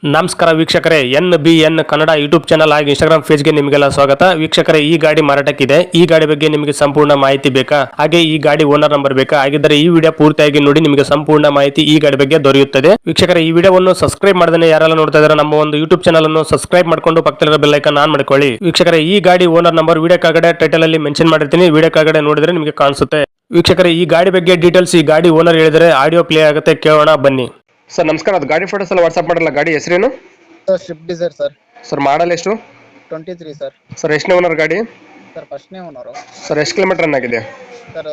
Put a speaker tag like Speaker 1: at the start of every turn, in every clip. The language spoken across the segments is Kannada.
Speaker 1: ನಮಸ್ಕಾರ ವೀಕ್ಷಕರೇ, NBN ಕನ್ನಡ ಯೂಟ್ಯೂಬ್ ಚಾನಲ್ ಹಾಗೂ ಇನ್ಸ್ಟಾಗ್ರಾಮ್ ಪೇಜ್ಗೆ ನಿಮಗೆಲ್ಲ ಸ್ವಾಗತ. ವೀಕ್ಷಕರೇ, ಈ ಗಾಡಿ ಮಾರಾಟಕ್ಕಿದೆ. ಈ ಗಾಡಿ ಬಗ್ಗೆ ನಿಮಗೆ ಸಂಪೂರ್ಣ ಮಾಹಿತಿ ಬೇಕಾ? ಹಾಗೆ ಈ ಗಾಡಿ ಓನರ್ ನಂಬರ್ ಬೇಕಾ? ಹಾಗಿದ್ದರೆ ಈ ವಿಡಿಯೋ ಪೂರ್ತಿಯಾಗಿ ನೋಡಿ, ನಿಮಗೆ ಸಂಪೂರ್ಣ ಮಾಹಿತಿ ಈ ಗಾಡಿ ಬಗ್ಗೆ ದೊರೆಯುತ್ತದೆ. ವೀಕ್ಷಕರೇ, ಈ ವಿಡಿಯೋವನ್ನು ಸಬ್ಸ್ಕ್ರೈಬ್ ಮಾಡದೇ ಯಾರೆಲ್ಲ ನೋಡ್ತಾ ಇದ್ದಾರೆ ನಮ್ಮ ಒಂದು ಯೂಟ್ಯೂಬ್ ಚಾನಲ್ ಅನ್ನು ಸಬ್ಸ್ಕ್ರೈಬ್ ಮಾಡ್ಕೊಂಡು ಪಕ್ಕದಲ್ಲಿರೋ ಬೆಲ್ ಐಕಾನ್ ಆನ್ ಮಾಡ್ಕೊಳ್ಳಿ. ವೀಕ್ಷಕರೇ, ಈ ಗಾಡಿ ಓನರ್ ನಂಬರ್ ವಿಡಿಯೋ ಕೆಳಗಡೆ ಟೈಟಲ್ ಅಲ್ಲಿ ಮೆನ್ಷನ್ ಮಾಡಿರ್ತೀನಿ. ವಿಡಿಯೋ ಕೆಳಗಡೆ ನೋಡಿದ್ರೆ ನಿಮಗೆ ಕಾಣಿಸುತ್ತೆ. ವೀಕ್ಷಕರೇ, ಈ ಗಾಡಿ ಬಗ್ಗೆ ಡೀಟೇಲ್ಸ್ ಈ ಗಾಡಿ ಓನರ್ ಹೇಳಿದರೆ ಆಡಿಯೋ ಪ್ಲೇ ಆಗುತ್ತೆ, ಕೇಳೋಣ ಬನ್ನಿ. ಸರ್ ನಮಸ್ಕಾರ, ಅದು ಗಾಡಿ ಫೋಟೋಸ್ ಎಲ್ಲ ವಾಟ್ಸ್ಆಪ್ ಮಾಡಲ್ಲ. ಗಾಡಿ ಹೆಸರೇನು
Speaker 2: ಸರ್? Swift Dzire sir.
Speaker 1: Sir model ಎಷ್ಟು?
Speaker 2: 23 ಸರ್.
Speaker 1: ಸರ್ ಎಷ್ಟನೇ ಓನರ್ ಗಾಡಿ?
Speaker 2: ಸರ್ ಫಸ್ಟ್ನೇ ಓನರು.
Speaker 1: ಸರ್ ಎಷ್ಟು ಕಿಲೋಮೀಟರ್ ರನ್ ಆಗಿದೆ?
Speaker 2: Sir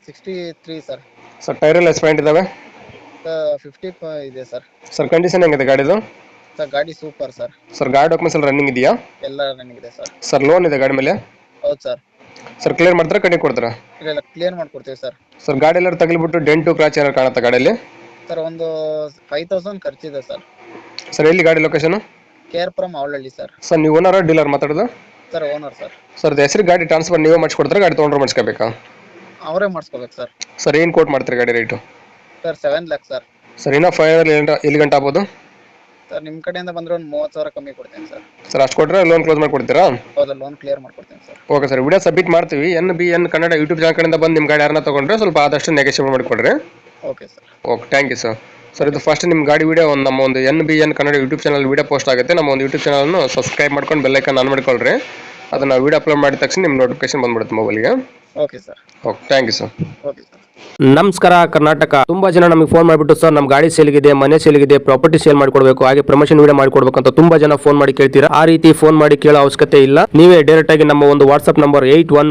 Speaker 2: 63 sir.
Speaker 1: ಸರ್ ಟೈರ್ ಎಲ್ಲ ಎಸ್ಪೆಂಟ್ ಇದಾವೆ?
Speaker 2: ಸರ್ 50 ಇದೆ ಸರ್.
Speaker 1: ಸರ್ ಕಂಡೀಷನ್ ಹೆಂಗಿದೆ ಗಾಡಿದು?
Speaker 2: ಸರ್ ಗಾಡಿ ಸೂಪರ್ ಸರ್.
Speaker 1: ಸರ್ ಗಾಡಿ ಡಾಕ್ಯುಮೆಂಟ್ಸ್ ಎಲ್ಲ ರನ್ನಿಂಗ್ ಇದೆಯಾ?
Speaker 2: ಎಲ್ಲ ರನ್ನಿಂಗ್ ಇದೆ ಸರ್.
Speaker 1: ಸರ್ ಲೋನ್ ಇದೆ ಗಾಡಿ ಮೇಲೆ?
Speaker 2: ಹೌದು ಸರ್.
Speaker 1: ಸರ್ ಕ್ಲಿಯರ್ ಮಾಡ್ತಾರೆ, ಕಟ್ಟಿ ಕೊಡ್ತಾರಾ?
Speaker 2: ಇಲ್ಲ, ಕ್ಲಿಯರ್ ಮಾಡ್ಕೊಡ್ತೀವಿ ಸರ್.
Speaker 1: ಸರ್ ಗಾಡಿ ಎಲ್ಲರೂ ತಗಲಿಬಿಟ್ಟು ಡೆಂಟು ಕ್ರಾಚ್ ಏನಾರು ಕಾಣುತ್ತಾ ಗಾಡಿಯಲ್ಲಿ?
Speaker 2: ಸರ್ ಒಂದು 5000 ಖರ್ಚಿದೆ ಸರ್.
Speaker 1: ಸರ್ ಎಲ್ಲಿ ಗಾಡಿ location?
Speaker 2: KR Avalahalli sir.
Speaker 1: Sir ನೀವು ಓನರ್ ಡೀಲರ್ ಮಾತಾಡೋದು?
Speaker 2: Sir owner sir.
Speaker 1: ಸರ್ ಹೆಸರು ಗಾಡಿ ಟ್ರಾನ್ಸ್ಫರ್ ನೀವೇ ಮಾಡಿಸ್ಕೊಡ್ತಾರೆ, ಗಾಡಿ ತೊಗೊಂಡ್ರೆ ಮಾಡಿಸ್ಕೋಬೇಕಾ?
Speaker 2: ಅವರೇ ಮಾಡಿಸ್ಕೋಬೇಕು ಸರ್.
Speaker 1: ಸರ್ ಏನು ಕೋಟ್ ಮಾಡ್ತೀರಿ ಗಾಡಿ rate?
Speaker 2: Sir 7 lakhs sir.
Speaker 1: Sir ಇನ್ನೂ 5 ಎಲ್ಲಿ ಗಂಟೆ ಆಗ್ಬೋದು?
Speaker 2: ಸರ್ ನಿಮ್ಮ ಕಡೆಯಿಂದ ಬಂದರೆ ಒಂದು 30,000 ಕಮ್ಮಿ ಕೊಡ್ತೀನಿ ಸರ್.
Speaker 1: ಸರ್ ಅಷ್ಟು ಕೊಟ್ಟರೆ ಲೋನ್ ಕ್ಲೋಸ್ ಮಾಡಿ ಕೊಡ್ತೀರಾ?
Speaker 2: ಹೌದಾ, ಲೋನ್ ಕ್ಲಿಯರ್ ಮಾಡ್ಕೊಡ್ತೀನಿ sir.
Speaker 1: Okay sir, video submit ಮಾಡ್ತೀವಿ. NBN ಕನ್ನಡ ಯೂಟ್ಯೂಬ್ ಚಾನಲ್ ಕಡೆಯಿಂದ ಬಂದು ನಿಮ್ಮ ಗಾಡಿ ಯಾರನ್ನ ತೊಗೊಂಡ್ರೆ ಸ್ವಲ್ಪ ಆದಷ್ಟು ನೆಗೋಷಿಯೇಟ್ ಮಾಡಿಕೊಡ್ರಿ.
Speaker 2: Okay sir.
Speaker 1: Okay, thank you sir. Sir ಇದು ಫಸ್ಟ್ ನಿಮ್ಮ ಗಾಡಿ ವಿಡಿಯೋ ನಮ್ಮ ಒಂದು NBN Kannada YouTube channel video post ಆಗುತ್ತೆ. ನಮ್ಮ ಒಂದು ಯೂಟ್ಯೂಬ್ ಚಾನಲ್ನ ಸಬ್ಸ್ಕ್ರೈಬ್ ಮಾಡ್ಕೊಂಡು ಬೆಲ್ ಐಕಾನ್ ಆನ್ ಮಾಡ್ಕೊಳ್ರಿ. ಅದನ್ನು ವಿಡಿಯೋ ಅಪ್ಲೋಡ್ ಮಾಡಿದ ತಕ್ಷಣ ನಿಮ್ಮ ನೋಟಿಫಿಕೇಶನ್ ಬಂದ್ಬಿಡುತ್ತೆ ಮೊಬೈಲ್ಗೆ.
Speaker 2: Okay sir.
Speaker 1: Okay, thank you sir.
Speaker 2: Okay sir.
Speaker 1: ನಮಸ್ಕಾರ ಕರ್ನಾಟಕ. ತುಂಬಾ ಜನ ನಮಗೆ ಫೋನ್ ಮಾಡಿಬಿಟ್ಟು ಸರ್ ನಮ್ಮ ಗಾಡಿ ಸೇಲ್ಗಿದೆ, ಮನೆ ಸೇಲ್ಗಿದೆ, ಪ್ರಾಪರ್ಟಿ ಸೇಲ್ ಮಾಡ್ಕೊಡ್ಬೇಕು, ಹಾಗೆ ಪ್ರಮೋಷನ್ ವಿಡಿಯೋ ಮಾಡ್ಕೊಡ್ಬೇಕು ಅಂತ ತುಂಬಾ ಜನ ಫೋನ್ ಮಾಡಿ ಕೇಳ್ತೀರಾ. ಆ ರೀತಿ ಫೋನ್ ಮಾಡಿ ಕೇಳೋ ಅವಶ್ಯಕತೆ ಇಲ್ಲ. ನೀವೇ ಡೈರೆಕ್ಟ್ ಆಗಿ ನಮ್ಮ ಒಂದು ವಾಟ್ಸ್ಆಪ್ ನಂಬರ್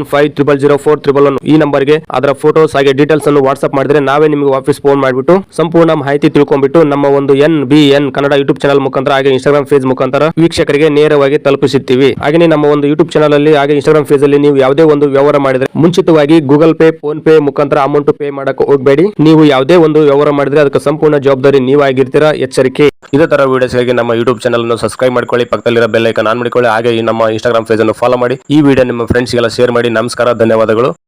Speaker 1: 81500411 ಈ ನಂಬರ್ಗೆ ಅದರ ಫೋಟೋಸ್ ಹಾಗೆ ಡೀಟೇಲ್ಸ್ ಅನ್ನು ವಾಟ್ಸ್ಆಪ್ ಮಾಡಿದ್ರೆ ನಾವೇ ನಿಮಗೆ ವಾಪಸ್ ಫೋನ್ ಮಾಡಿಬಿಟ್ಟು ಸಂಪೂರ್ಣ ಮಾಹಿತಿ ತಿಳ್ಕೊಂಡ್ಬಿಟ್ಟು ನಮ್ಮ ಒಂದು NBN ಕನ್ನಡ ಯೂಟ್ಯೂಬ್ ಚಾನಲ್ ಮುಖಾಂತರ ಹಾಗೆ ಇನ್ಸ್ಟಾಗ್ರಾಮ್ ಪೇಜ್ ಮುಖಾಂತರ ವೀಕ್ಷಕರಿಗೆ ನೇರವಾಗಿ ತಲುಪಿಸುತ್ತೀವಿ. ಹಾಗೆ ನಮ್ಮ ಒಂದು ಯೂಟ್ಯೂಬ್ ಚಾನಲ್ ಅಲ್ಲಿ ಹಾಗೆ ಇನ್ಸ್ಟಾಗ್ರಾಮ್ ಪೇಜ್ ಅಲ್ಲಿ ನೀವು ಯಾವುದೇ ಒಂದು ವ್ಯವಹಾರ ಮಾಡಿದ್ರೆ ಮುಂಚಿತವಾಗಿ ಗೂಗಲ್ ಪೇ, ಫೋನ್ ಪೇ ಮುಖಾಂತರ ಅಮೌಂಟ್ ಪೇ ಮಾಡಕ್ಕೆ ಹೋಗಬೇಡಿ. ನೀವು ಯಾವುದೇ ಒಂದು ವ್ಯವಹಾರ ಮಾಡಿದ್ರೆ ಅದಕ್ಕೆ ಸಂಪೂರ್ಣ ಜವಾಬ್ದಾರಿ ನೀವಾಗಿರ್ತೀರಾ, ಎಚ್ಚರಿಕೆ. ಇದೇ ತರ ವಿಡಿಯೋಸ್ಗಾಗಿ ನಮ್ಮ ಯೂಟ್ಯೂಬ್ ಚಾನಲ್ ಅನ್ನು ಸಬ್ಸ್ಕ್ರೈಬ್ ಮಾಡ್ಕೊಳ್ಳಿ, ಪಕ್ಕದಲ್ಲಿರೋ ಬೆಲ್ ಐಕಾನ್ ಆನ್ ಮಾಡಿಕೊಳ್ಳಿ, ಹಾಗೆ ನಮ್ಮ ಇನ್ಸ್ಟಾಗ್ರಾಮ್ ಪೇಜ್ ಅನ್ನು ಫಾಲೋ ಮಾಡಿ. ಈ ವಿಡಿಯೋ ನಿಮ್ಮ ಫ್ರೆಂಡ್ಸ್ಗೆಲ್ಲ ಶೇರ್ ಮಾಡಿ. ನಮಸ್ಕಾರ, ಧನ್ಯವಾದಗಳು.